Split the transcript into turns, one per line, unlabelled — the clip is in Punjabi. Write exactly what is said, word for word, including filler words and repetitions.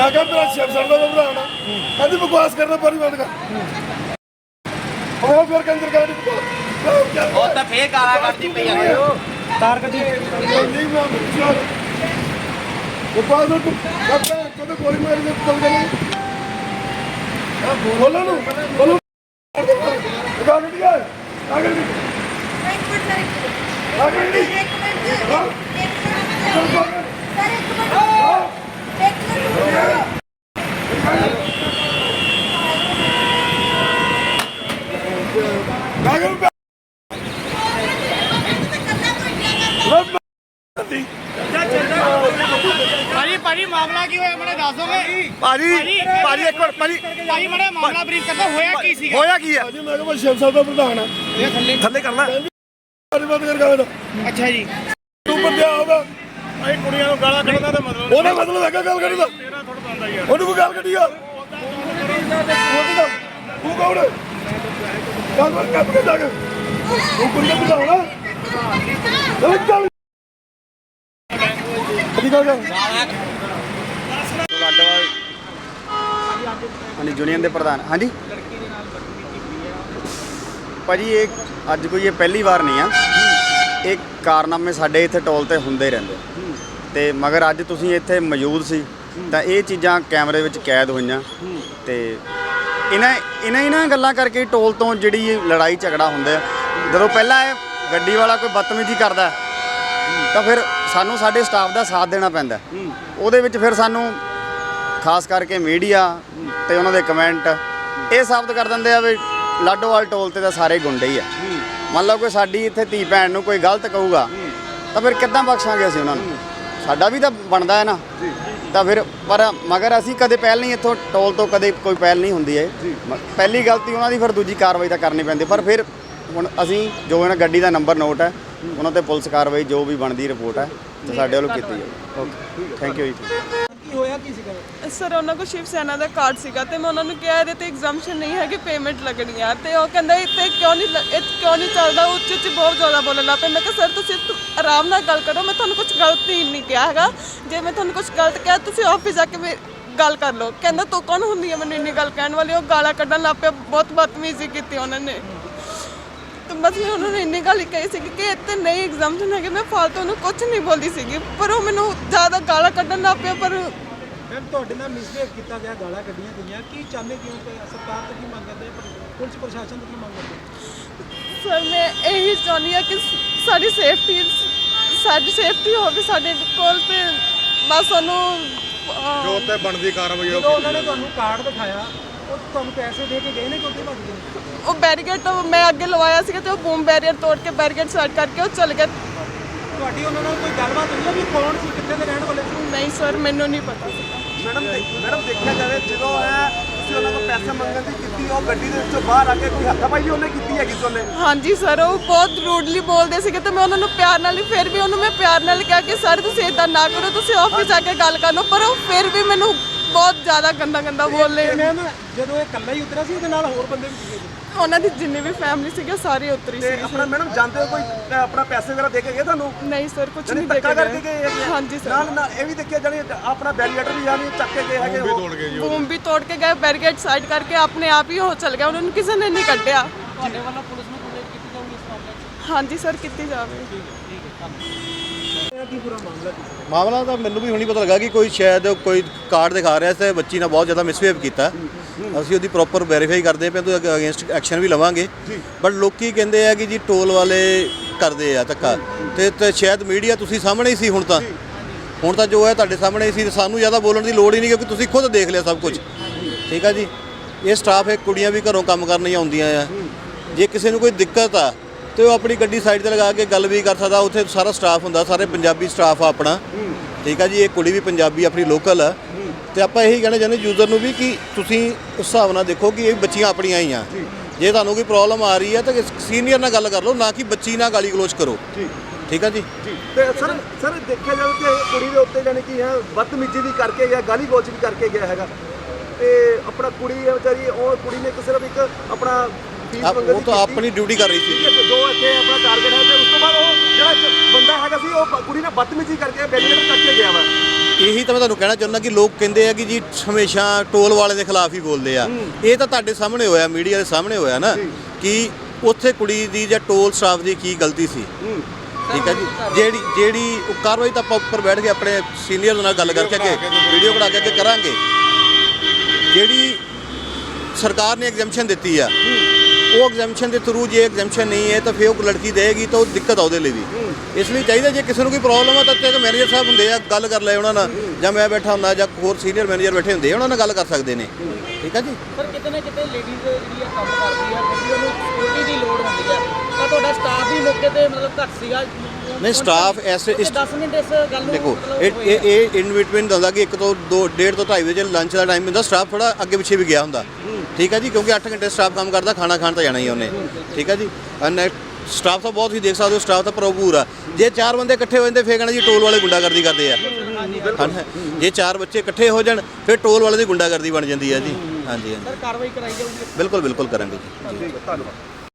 मैं क्या मेरा शिव सर का घबराना कहती बकवास करना पर बंद कर और फिर अंदर गाड़ी
ਉਹ ਤਾਂ ਫੇਰ ਗਾਲਾਂ ਕੱਢਦੀ ਪਈ ਆ
तार कटी नहीं मैं बकवास में तू कभी गोली मारी में चल गई बोलो ना बोलो गाड़ी है आगे एक मिनट आगे एक मिनट सर एक मिनट एक मिनट
ਭਾਜੀ ਭਾਜੀ ਮਾਮਲਾ ਕੀ ਹੋਇਆ ਮੈਨੂੰ ਦੱਸ ਦੋਗੇ
ਭਾਜੀ ਭਾਜੀ ਇੱਕ ਮਿੰਟ ਭਾਜੀ
ਭਾਜੀ ਮੜਾ ਮਾਮਲਾ ਬਰੀਫ ਕਰਦਾ ਹੋਇਆ ਕੀ ਸੀਗਾ
ਹੋਇਆ ਕੀ ਹੈ ਭਾਜੀ ਮੈਂ ਕਿਹਾ ਸ਼ਿਵ ਸਾਹਿਬ ਦਾ ਪ੍ਰਧਾਨ ਆ
ਇਹ ਥੱਲੇ
ਥੱਲੇ ਕਰਨਾ ਬੰਦ ਕਰ ਗਾ
ਅੱਛਾ ਜੀ
ਤੂੰ ਬੰਦਿਆ ਹੋਗਾ
ਅਸੀਂ ਕੁੜੀਆਂ ਨੂੰ ਗਾਲਾਂ ਕੱਢਦਾ ਤਾਂ ਮਤਲਬ
ਉਹਦਾ ਮਤਲਬ ਹੈਗਾ ਗੱਲ ਕਰੀ ਦਾ
ਤੇਰਾ ਥੋੜਾ ਬੰਦਾ ਯਾਰ
ਉਹਨੂੰ ਕੋਈ ਗੱਲ ਕੱਢੀ ਆ ਤੂੰ ਕੌਣ ਹੈ ਗੱਲ ਕਰ ਕੱਪ ਕੇ ਜਾ ਕੇ ਤੂੰ ਕੁੜੀ ਦਾ ਪ੍ਰਧਾਨ ਆ ਚੱਲ ਅਧਿਕਾਰ ਕਰ
ਲਾਡੋਵਾਲ ਹਾਂਜੀ ਯੂਨੀਅਨ ਦੇ ਪ੍ਰਧਾਨ ਹਾਂਜੀ ਭਾਜੀ ਇਹ ਅੱਜ ਕੋਈ ਇਹ ਪਹਿਲੀ ਵਾਰ ਨਹੀਂ ਆ ਇਹ ਕਾਰਨਾਮੇ ਸਾਡੇ ਇੱਥੇ ਟੋਲ ਤੇ ਹੁੰਦੇ ਰਹਿੰਦੇ ਤੇ ਮਗਰ ਅੱਜ ਤੁਸੀਂ ਇੱਥੇ ਮੌਜੂਦ ਸੀ ਤਾਂ ਇਹ ਚੀਜ਼ਾਂ ਕੈਮਰੇ ਵਿੱਚ ਕੈਦ ਹੋਈਆਂ ਤੇ ਇਹਨਾਂ ਇਹਨਾਂ ਇਹਨਾਂ ਗੱਲਾਂ ਕਰਕੇ ਟੋਲ ਤੋਂ ਜਿਹੜੀ ਲੜਾਈ ਝਗੜਾ ਹੁੰਦਾ ਜਦੋਂ ਪਹਿਲਾਂ ਇਹ ਗੱਡੀ ਵਾਲਾ ਕੋਈ ਬਦਤਮੀਜ਼ੀ ਕਰਦਾ ਤਾਂ ਫਿਰ ਸਾਨੂੰ ਸਾਡੇ ਸਟਾਫ ਦਾ ਸਾਥ ਦੇਣਾ ਪੈਂਦਾ ਉਹਦੇ ਵਿੱਚ ਫਿਰ ਸਾਨੂੰ ਖਾਸ ਕਰਕੇ ਮੀਡੀਆ ਤੇ ਉਹਨਾਂ ਦੇ ਕਮੈਂਟ ਇਹ ਸਾਬਤ ਕਰ ਦਿੰਦੇ ਆ ਵੀ ਲਾਡੋਵਾਲ ਟੋਲ ਤੇ ਤਾਂ ਸਾਰੇ ਗੁੰਡੇ ਹੀ ਆ ਮੰਨ ਲਓ ਕੋਈ ਸਾਡੀ ਇੱਥੇ ਧੀ ਭੈਣ ਨੂੰ ਕੋਈ ਗਲਤ ਕਹੂਗਾ ਤਾਂ ਫਿਰ ਕਿੱਦਾਂ ਬਖਸ਼ਾਂਗੇ ਅਸੀਂ ਉਹਨਾਂ ਨੂੰ ਸਾਡਾ ਵੀ ਤਾਂ ਬਣਦਾ ਹੈ ਨਾ ਤਾਂ ਫਿਰ ਪਰ ਮਗਰ ਅਸੀਂ ਕਦੇ ਪਹਿਲ ਨਹੀਂ ਇੱਥੋਂ ਟੋਲ ਤੋਂ ਕਦੇ ਕੋਈ ਪਹਿਲ ਨਹੀਂ ਹੁੰਦੀ ਹੈ ਪਹਿਲੀ ਗਲਤੀ ਉਹਨਾਂ ਦੀ ਫਿਰ ਦੂਜੀ ਕਾਰਵਾਈ ਤਾਂ ਕਰਨੀ ਪੈਂਦੀ ਪਰ ਫਿਰ ਹੁਣ ਅਸੀਂ ਜੋ ਇਹਨਾਂ ਗੱਡੀ ਦਾ ਨੰਬਰ ਨੋਟ ਹੈ ਉਹਨਾਂ ਤੇ ਪੁਲਿਸ ਕਾਰਵਾਈ ਜੋ ਵੀ ਬਣਦੀ ਰਿਪੋਰਟ ਹੈ ਤੇ ਸਾਡੇ ਵੱਲੋਂ ਕੀਤੀ ਜਾਵੇ ਓਕੇ ਥੈਂਕ ਯੂ ਜੀ
ਕੀ ਹੋਇਆ ਕੀ ਸੀਗਾ
ਸਰ ਉਹਨਾਂ ਕੋਲ ਸ਼ਿਵ ਸੈਨਾ ਦਾ ਕਾਰਡ ਸੀਗਾ ਤੇ ਮੈਂ ਉਹਨਾਂ ਨੂੰ ਕਿਹਾ ਇਹਦੇ ਤੇ ਐਗਜ਼ਾਮਸ਼ਨ ਨਹੀਂ ਹੈ ਕਿ ਪੇਮੈਂਟ ਲੱਗਣੀ ਆ ਤੇ ਉਹ ਕਹਿੰਦਾ ਇੱਥੇ ਕਿਉਂ ਨਹੀਂ ਇਹ ਕਿਉਂ ਨਹੀਂ ਚੱਲਦਾ ਉੱਚ ਉੱਚ ਬਹੁਤ ਜ਼ਿਆਦਾ ਬੋਲਣ ਲੱਗ ਪਏ ਮੈਂ ਕਿਹਾ ਸਰ ਤੁਸੀਂ ਆਰਾਮ ਨਾਲ ਗੱਲ ਕਰੋ ਮੈਂ ਤੁਹਾਨੂੰ ਕੁਝ ਗਲਤ ਹੀ ਨਹੀਂ ਕਿਹਾ ਹੈਗਾ ਜੇ ਮੈਂ ਤੁਹਾਨੂੰ ਕੁਝ ਗਲਤ ਕਿਹਾ ਤੁਸੀਂ ਆਫਿਸ ਜਾ ਕੇ ਗੱਲ ਕਰ ਲਓ ਕਹਿੰਦਾ ਤੂੰ ਕੌਣ ਹੁੰਦੀ ਹੈ ਮੈਨੂੰ ਇੰਨੀ ਗੱਲ ਕਹਿਣ ਵਾਲੀ ਉਹ ਗਾਲਾਂ ਕੱਢਣ ਲੱਗ ਪਿਆ ਬਹੁਤ ਬਦਤਮੀਜ਼ੀ ਕੀਤੀ ਉਹਨਾਂ ਨੇ तो बस मैं उन्होंने इन्नी गल कही सी कि इतने नहीं एग्जामशन है मैं फालतू उन्होंने कुछ नहीं बोली सी पर वो मैंने ज़्यादा गाला कढ़न लग पिया पर
मैम ਤੁਹਾਡੇ ਨਾਲ ਮਿਸਬਿਹੇਵ ਕੀਤਾ ਗਿਆ ਗਾਲਾਂ ਕੱਢੀਆਂ ਗਈਆਂ ਕੀ ਚਾਹੁੰਦੇ ਕਿਉਂ ਕਿ ਸਰਕਾਰ ਤੋਂ ਕੀ ਮੰਗ ਕਰਦੇ ਪੁਲਿਸ ਪ੍ਰਸ਼ਾਸਨ ਤੋਂ ਕੀ ਮੰਗ ਕਰਦੇ
सर मैं यही चाहती हाँ कि साड़ी सेफ्टी साड़ी सेफ्टी होगी साढ़े कोल ते बस उन्होंने
ਜੋ ਤੇ ਬਣਦੀ ਕਾਰਵਾਈ
ਜਦੋਂ ਉਹਨਾਂ ਨੇ ਤੁਹਾਨੂੰ ਕਾਰਡ ਦਿਖਾਇਆ ਉਹ ਤੁਹਾਨੂੰ ਪੈਸੇ ਦੇ ਕੇ ਗਏ ਨੇ ਕਿ ਉੱਥੇ ਭੱਜ ਗਏ
वो बैरीगेट तो मैं अगे लवाया सी तो बूम बैरियर तोड़ के बैरीगेट साइड करके वो चल गए
ਤੁਹਾਡੀ ਉਹਨਾਂ ਨਾਲ ਕੋਈ ਗੱਲਬਾਤ ਹੋਈ ਹੈ ਵੀ ਕੌਣ ਸੀ ਕਿੱਥੇ ਦੇ ਰਹਿਣ ਵਾਲੇ ਸੀ
नहीं सर मैनू नहीं पता सी
ਮੈਡਮ ਮੈਡਮ ਦੇਖਿਆ ਜਾਵੇ ਜਦੋਂ ਹੈ ਤੁਸੀਂ ਉਹਨਾਂ ਤੋਂ ਪੈਸੇ ਮੰਗਣ ਦੀ ਕੀਤੀ ਉਹ ਗੱਡੀ ਦੇ ਵਿੱਚੋਂ ਬਾਹਰ ਆ ਕੇ ਕੋਈ ਹੱਥਾਪਾਈ ਵੀ ਉਹਨੇ ਕੀਤੀ ਹੈਗੀ ਸੀ ਉਹਨੇ
हाँ जी सर वो बहुत रूडली बोलते थे तो मैं उन्होंने प्यार नाल ही फिर भी उन्होंने मैं प्यार नाल कहा कि सर तुसीं इदां ना करो तुसीं ऑफिस जाके गल कर लो पर वो फिर भी मैनू बहुत ज़्यादा गंदा गंदा बोले
ਮੈਮ ਜਦੋਂ ਇਹ ਇਕੱਲਾ ਹੀ ਉਤਰਿਆ ਸੀ ਉਹਦੇ ਨਾਲ ਹੋਰ ਬੰਦੇ ਵੀ ਸੀਗੇ ਜੀ
ਉਹਨਾਂ ਦੀ ਜਿੰਨੀ ਵੀ ਫੈਮਿਲੀ ਸੀਗੀ ਸਾਰੀ ਉਤਰੀ
ਤੇ
ਸੀ
ਆਪਣਾ ਮੈਡਮ ਜਾਂਦੇ ਹੋ ਕੋਈ ਆਪਣਾ ਪੈਸੇ ਵਗੈਰਾ ਦੇ ਕੇ ਗਏ ਤੁਹਾਨੂੰ
ਨਹੀਂ ਸਰ ਕੁਝ
ਜਾਨੀ
ਨਹੀਂ ਦੇ
ਧੱਕਾ
ਕੇ
ਕਰਕੇ ਗਏ ਹੈਗੇ ਆ?
ਹਾਂਜੀ ਸਰ
ਨਾਲ ਨਾਲ ਇਹ ਵੀ ਦੇਖਿਆ ਜਾਨੀ ਆਪਣਾ ਬੈਰੀਏਟਰ ਵੀ ਜਾਨੀ ਚੱਕ ਕੇ ਗਏ ਹੈਗੇ ਉਹ
ਤੋੜ ਗਏ ਜੀ
ਬੂਮ ਵੀ ਤੋੜ ਕੇ ਗਏ ਬੈਰੀਕੇਡ ਸਾਈਡ ਕਰਕੇ ਆਪਣੇ ਆਪ ਹੀ ਉਹ ਚਲ ਗਿਆ ਉਹਨਾਂ ਨੂੰ ਕਿਸੇ ਨੇ ਨਹੀਂ ਕੱਢਿਆ
ਤੁਹਾਡੇ ਵੱਲੋਂ ਪੁਲਿਸ ਨੂੰ ਕੰਪਲੇਂਟ ਕੀਤੀ ਜਾਊਗੀ ਇਸ ਮਾਮਲੇ 'ਚ
ਹਾਂਜੀ ਸਰ ਕੀਤੀ ਜਾਵੇ
ਕੀ ਪੂਰਾ ਮਾਮਲਾ ਕੀ ਸੀ
ਮਾਮਲਾ ਤਾਂ ਮੈਨੂੰ ਵੀ ਹੁਣੀ ਪਤਾ ਲੱਗਾ ਕਿ ਕੋਈ ਸ਼ਾਇਦ ਕੋਈ ਕਾਰਡ ਦਿਖਾ ਰਿਹਾ ਸੀ ਬੱਚੀ ਨਾਲ ਬਹੁਤ ਜ਼ਿਆਦਾ ਮਿਸਬਿਹੇਵ ਕੀਤਾ ਅਸੀਂ ਉਹਦੀ ਪ੍ਰੋਪਰ ਵੈਰੀਫਾਈ ਕਰਦੇ ਪਏ ਤੇ ਅਗੇਂਸਟ ਐਕਸ਼ਨ ਵੀ ਲਵਾਂਗੇ ਬਟ ਲੋਕੀ ਕਹਿੰਦੇ ਆ ਕਿ ਜੀ ਟੋਲ ਵਾਲੇ ਕਰਦੇ ਆ ਧੱਕਾ ਤੇ ਤੇ ਸ਼ਾਇਦ ਮੀਡੀਆ ਤੁਸੀਂ ਸਾਹਮਣੇ ਹੀ ਸੀ ਹੁਣ ਤਾਂ ਹੁਣ ਤਾਂ ਜੋ ਹੈ ਤੁਹਾਡੇ ਸਾਹਮਣੇ ਹੀ ਸੀ ਸਾਨੂੰ ਜ਼ਿਆਦਾ ਬੋਲਣ ਦੀ ਲੋੜ ਹੀ ਨਹੀਂ ਕਿਉਂਕਿ ਤੁਸੀਂ ਖੁਦ ਦੇਖ ਲਿਆ ਸਭ ਕੁਝ ਠੀਕ ਆ ਜੀ ਇਹ ਸਟਾਫ ਹੈ ਕੁੜੀਆਂ ਵੀ ਘਰੋਂ ਕੰਮ ਕਰਨ ਹੀ ਆਉਂਦੀਆਂ ਆ ਜੇ ਕਿਸੇ ਨੂੰ ਕੋਈ ਦਿੱਕਤ ਆ ਤੇ ਉਹ ਆਪਣੀ ਗੱਡੀ ਸਾਈਡ ਤੇ ਲਗਾ ਕੇ ਗੱਲ ਵੀ ਕਰ ਸਕਦਾ ਉੱਥੇ ਸਾਰਾ ਸਟਾਫ ਹੁੰਦਾ ਸਾਰੇ ਪੰਜਾਬੀ ਸਟਾਫ ਆ ਆਪਣਾ ਠੀਕ ਆ ਜੀ ਇਹ ਕੁੜੀ ਵੀ ਪੰਜਾਬੀ ਆਪਣੀ ਲੋਕਲ ਆ ਤੇ ਆਪਾਂ ਇਹੀ ਕਹਿਣਾ ਚਾਹੁੰਦੇ ਯੂਜ਼ਰ ਨੂੰ ਵੀ ਕਿ ਤੁਸੀਂ ਉਸ ਹਿਸਾਬ ਨਾਲ ਦੇਖੋ ਕਿ ਇਹ ਬੱਚੀਆਂ ਆਪਣੀਆਂ ਹੀ ਆ ਜੇ ਤੁਹਾਨੂੰ ਕੋਈ ਪ੍ਰੋਬਲਮ ਆ ਰਹੀ ਹੈ ਤਾਂ ਸੀਨੀਅਰ ਨਾਲ ਗੱਲ ਕਰ ਲਓ ਨਾ ਕਿ ਬੱਚੀ ਨਾਲ ਗਾਲੀ ਗਲੋਚ ਕਰੋ ਠੀਕ ਆ ਜੀ
ਤੇ ਸਰ ਸਰ ਦੇਖਿਆ ਜਾਵੇ ਕਿ ਕੁੜੀ ਦੇ ਉੱਤੇ ਜਾਨੀ ਕਿ ਹੈ ਬਦਤਮੀਜ਼ੀ ਵੀ ਕਰਕੇ ਗਿਆ ਗਾਲੀ ਗਲੋਚ ਵੀ ਕਰਕੇ ਗਿਆ ਹੈਗਾ ਤੇ ਆਪਣਾ ਕੁੜੀ ਹੈ ਵਿਚਾਰੀ ਉਹ ਕੁੜੀ ਨੇ ਇੱਕ ਸਿਰਫ ਇੱਕ ਆਪਣਾ
ਉਹ ਤਾਂ ਆਪਣੀ ਡਿਊਟੀ ਕਰ ਰਹੀ ਸੀ
ਜੋ ਇੱਥੇ ਆਪਣਾ ਟਾਰਗੇਟ ਹੈ ਤੇ ਉਸ ਤੋਂ ਬਾਅਦ ਉਹ ਜਿਹੜਾ ਬੰਦਾ ਹੈਗਾ ਸੀ ਉਹ ਕੁੜੀ ਨੇ ਬਦਤਮੀਜ਼ੀ ਕਰਕੇ ਬੈਰੀਅਰ ਕੱਟ ਕੇ ਗਿਆ ਵਾ
ਇਹੀ ਤਾਂ ਮੈਂ ਤੁਹਾਨੂੰ ਕਹਿਣਾ ਚਾਹੁੰਦਾ ਕਿ ਲੋਕ ਕਹਿੰਦੇ ਆ ਕਿ ਜੀ ਹਮੇਸ਼ਾ ਟੋਲ ਵਾਲੇ ਦੇ ਖਿਲਾਫ ਹੀ ਬੋਲਦੇ ਆ। ਇਹ ਤਾਂ ਤੁਹਾਡੇ ਸਾਹਮਣੇ ਹੋਇਆ, ਮੀਡੀਆ ਦੇ ਸਾਹਮਣੇ ਹੋਇਆ ਨਾ ਕਿ ਉੱਥੇ ਕੁੜੀ ਦੀ ਜਾਂ ਟੋਲ ਸਟਾਫ ਦੀ ਕੀ ਗਲਤੀ ਸੀ। ਠੀਕ ਹੈ ਜੀ, ਜਿਹੜੀ ਜਿਹੜੀ ਉਹ ਕਾਰਵਾਈ ਤਾਂ ਆਪਾਂ ਉੱਪਰ ਬੈਠ ਕੇ ਆਪਣੇ ਸੀਨੀਅਰ ਨਾਲ ਗੱਲ ਕਰਕੇ ਅੱਗੇ ਵੀਡੀਓ ਬਣਾ ਕੇ ਅੱਗੇ ਕਰਾਂਗੇ। ਜਿਹੜੀ ਸਰਕਾਰ ਨੇ ਐਗਜ਼ੈਂਪਸ਼ਨ ਦਿੱਤੀ ਆ, ਉਹ ਐਗਜ਼ੈਂਪਸ਼ਨ ਦੇ ਥਰੂ ਜੇ ਐਗਜ਼ੈਂਪਸ਼ਨ ਨਹੀਂ ਹੈ ਤਾਂ ਫਿਰ ਉਹ ਲੜਕੀ ਦੇਗੀ ਤਾਂ ਉਹ ਦਿੱਕਤ ਆ ਉਹਦੇ ਲਈ ਵੀ। ਇਸ ਲਈ ਚਾਹੀਦਾ ਜੇ ਕਿਸੇ ਨੂੰ ਕੋਈ ਪ੍ਰੋਬਲਮ ਆ ਤਾਂ ਤੇ ਮੈਨੇਜਰ ਸਾਹਿਬ ਹੁੰਦੇ ਆ, ਗੱਲ ਕਰ ਲੈ ਉਹਨਾਂ ਨਾਲ, ਜਾਂ ਮੈਂ ਬੈਠਾ ਹੁੰਦਾ ਜਾਂ ਹੋਰ ਸੀਨੀਅਰ ਮੈਨੇਜਰ ਬੈਠੇ ਹੁੰਦੇ ਆ, ਉਹਨਾਂ ਨਾਲ ਗੱਲ ਕਰ ਸਕਦੇ ਨੇ। ਠੀਕ ਹੈ ਜੀ।
ਸਰ ਕਿਤੇ ਨਾ ਕਿਤੇ ਲੇਡੀਜ਼ ਜਿਹੜੀ ਆ ਕੰਮ ਕਰਦੀ ਆ, ਕਿਉਂਕਿ ਉਹਨੂੰ ਸਿਕਿਉਰਿਟੀ ਦੀ ਲੋੜ ਹੁੰਦੀ ਆ, ਤਾਂ ਤੁਹਾਡਾ ਸਟਾਫ ਵੀ ਮੌਕੇ ਤੇ ਮਤਲਬ ਘੱਟ ਸੀਗਾ?
ਨਹੀਂ, ਸਟਾਫ ਐਸੇ ਇਸ
ਦਸ ਮਿੰਟ ਇਸ ਗੱਲ ਨੂੰ
ਦੇਖੋ
ਮਤਲਬ
ਇਹ
ਹੋਏ ਆ।
ਇਹ ਇਹ ਇਨ ਬਿਟਵੀਨ ਹੁੰਦਾ ਕਿ ਇੱਕ ਤੋਂ ਦੋ ਡੇਢ ਤੋਂ ਢਾਈ ਵਜੇ ਲੰਚ ਦਾ ਟਾਈਮ ਹੁੰਦਾ, ਸਟਾਫ ਥੋੜਾ ਅੱਗੇ ਪਿੱਛੇ ਵੀ ਗਿਆ ਹੁੰਦਾ। ਠੀਕ ਹੈ ਜੀ, ਕਿਉਂਕਿ ਅੱਠ ਘੰਟੇ ਸਟਾਫ ਕੰਮ ਕਰਦਾ, ਖਾਣਾ ਖਾਣ ਤਾਂ ਜਾਣਾ ਹੀ ਉਹਨੇ। ਠੀਕ ਹੈ ਜੀ, ਸਟਾਫ ਤਾਂ ਬਹੁਤ ਹੀ ਦੇਖ ਸਕਦੇ ਹੋ, ਸਟਾਫ ਤਾਂ ਭਰਪੂਰ ਆ। ਜੇ ਚਾਰ ਬੰਦੇ ਇਕੱਠੇ ਹੋ ਜਾਂਦੇ ਫਿਰ ਕਹਿਣਾ ਜੀ ਟੋਲ ਵਾਲੇ ਗੁੰਡਾਗਰਦੀ ਕਰਦੇ ਆ। ਜੇ ਚਾਰ ਬੱਚੇ ਇਕੱਠੇ ਹੋ ਜਾਣ ਫਿਰ ਟੋਲ ਵਾਲੇ ਦੀ ਗੁੰਡਾਗਰਦੀ ਬਣ ਜਾਂਦੀ ਹੈ ਜੀ। ਹਾਂਜੀ ਹਾਂਜੀ,
ਸਰ ਕਾਰਵਾਈ ਕਰਾਈ ਜਾਊਗੀ?
ਬਿਲਕੁਲ ਬਿਲਕੁਲ ਕਰਾਂਗੇ ਜੀ।
ਧੰਨਵਾਦ।